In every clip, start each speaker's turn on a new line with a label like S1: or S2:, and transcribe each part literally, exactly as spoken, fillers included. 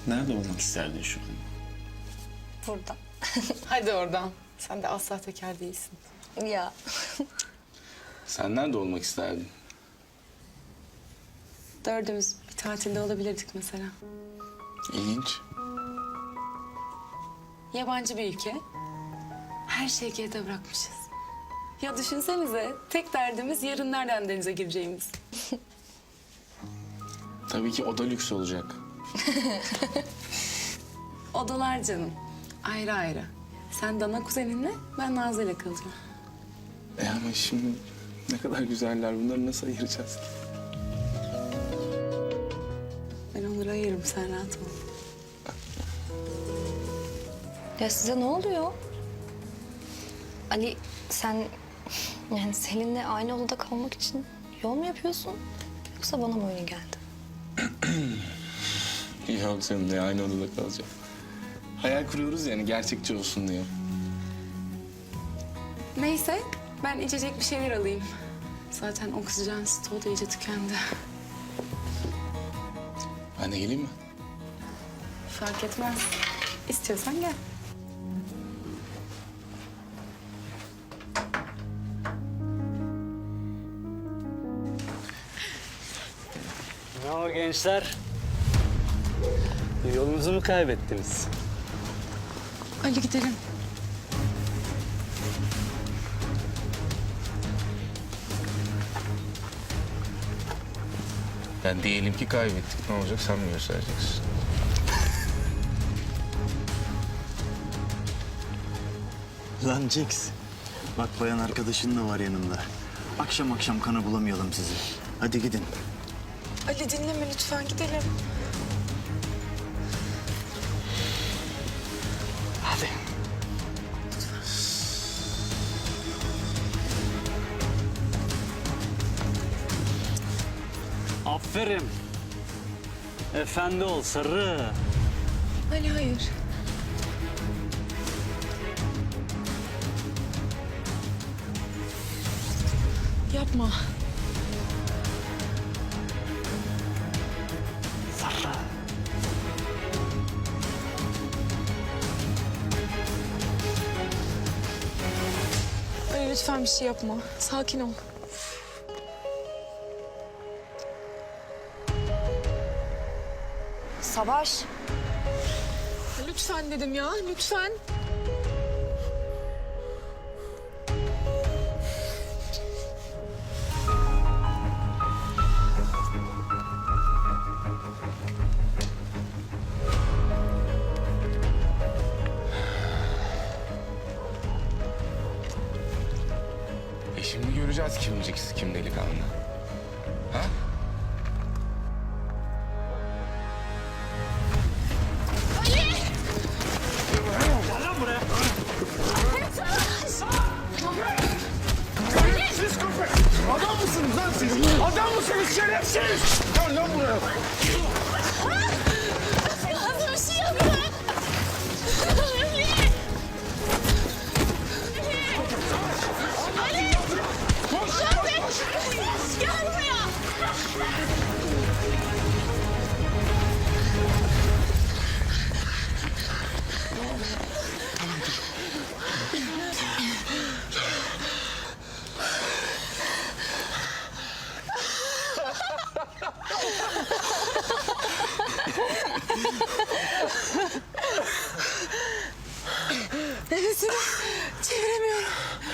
S1: Nerede olmak isterdin şu an?
S2: Burada.
S3: Hadi oradan. Sen de asla teker değilsin.
S2: Ya.
S1: Sen nerede olmak isterdin?
S3: Dördümüz bir tatilde olabilirdik mesela.
S1: İlginç.
S3: Yabancı bir ülke. Her şeyi geride bırakmışız. Ya düşünsenize, tek derdimiz yarın nereden denize gireceğimiz.
S1: Tabii ki o da lüks olacak.
S3: Odalar canım. Ayrı ayrı. Sen Dana kuzeninle, ben Nazlı ile kalacağım.
S1: E ama şimdi ne kadar güzeller. Bunları nasıl ayıracağız ki?
S3: Ben onları ayırırım, sen rahat ol.
S2: Ya size ne oluyor? Ali sen yani Selin'le aynı odada kalmak için yol mu yapıyorsun? Yoksa bana mı öyle geldi?
S1: Yok seninle aynı odada kalacağım. Hayal kuruyoruz yani gerçekçi olsun diye.
S3: Neyse, ben içecek bir şeyler alayım. Zaten oksijen stoğu da iyice tükendi.
S1: Ben de geleyim mi?
S3: Fark etmez. İstiyorsan gel.
S4: Ne o gençler? Yolunuzu mu kaybettiniz?
S3: Ali gidelim.
S1: Yani diyelim ki kaybettik. Ne olacak sen mi göstereceksin?
S5: Lan Jax, bak bayan arkadaşın da var yanında. Akşam akşam kana bulamayalım sizi. Hadi gidin.
S3: Ali dinleme lütfen, gidelim.
S5: Hadi.
S4: Aferin. Efendi ol sarı.
S3: Ali hayır. Yapma.
S4: Sarı.
S3: Ali lütfen bir şey yapma. Sakin ol.
S2: Savaş.
S3: Lütfen dedim ya, lütfen.
S1: E şimdi göreceğiz kim Jax, kim delikanlı. Ha?
S6: Adam mısınız lan siz? Adam mısınız şerefsiz? Gel lan buraya.
S7: Nasıl bir şey yapıyor? Ali! Ali!
S6: Koş,
S7: Şoför!
S6: koş, koş.
S7: Gel buraya!
S3: Nefesimi çeviremiyorum.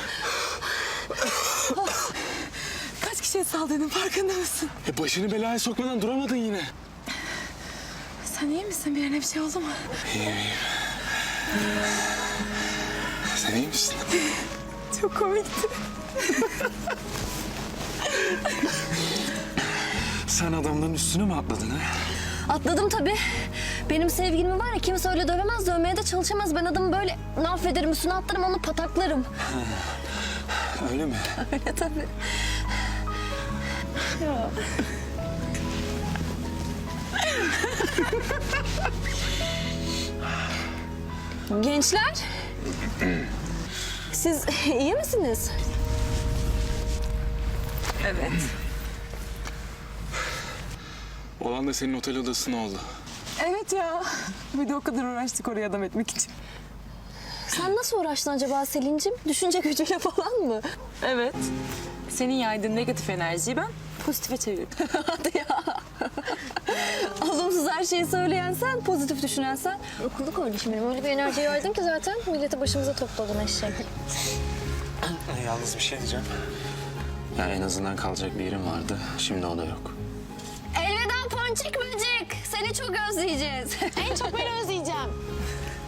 S3: Kaç kişiye saldırdın, farkında mısın?
S6: E başını belaya sokmadan duramadın yine.
S3: Sen iyi misin? Bir yerine bir şey oldu mu?
S6: İyiyim, iyiyim. Sen iyi misin?
S3: Çok komikti.
S6: Sen adamların üstüne mi atladın ha?
S2: Atladım tabii. Benim sevgilim var ya, kimse öyle dövemez, dövmeye de çalışamaz. Ben adamı böyle affederim, üstüne atlarım, onu pataklarım.
S6: Öyle mi?
S2: Öyle tabii. Ya. Gençler, siz iyi misiniz?
S3: Evet.
S6: Olan da senin otel odasına oldu.
S3: Evet ya. Bir de o kadar uğraştık oraya adam etmek için.
S2: Sen nasıl uğraştın acaba Selin'cim? Düşünce gücüyle falan mı?
S3: Evet. Senin yaydığın negatif enerjiyi ben pozitife çevirdim.
S2: Hadi ya. Olumsuz her şeyi söyleyen sen, pozitif düşünen sen. Okulda kardeşim benim. Öyle bir enerji yaydın ki zaten milleti başımıza topladın eşek.
S5: Yalnız bir şey diyeceğim. Ya en azından kalacak bir yerim vardı. Şimdi o da yok.
S2: Elveda ponçik böcek. Seni çok özleyeceğiz.
S7: En çok ben özleyeceğim.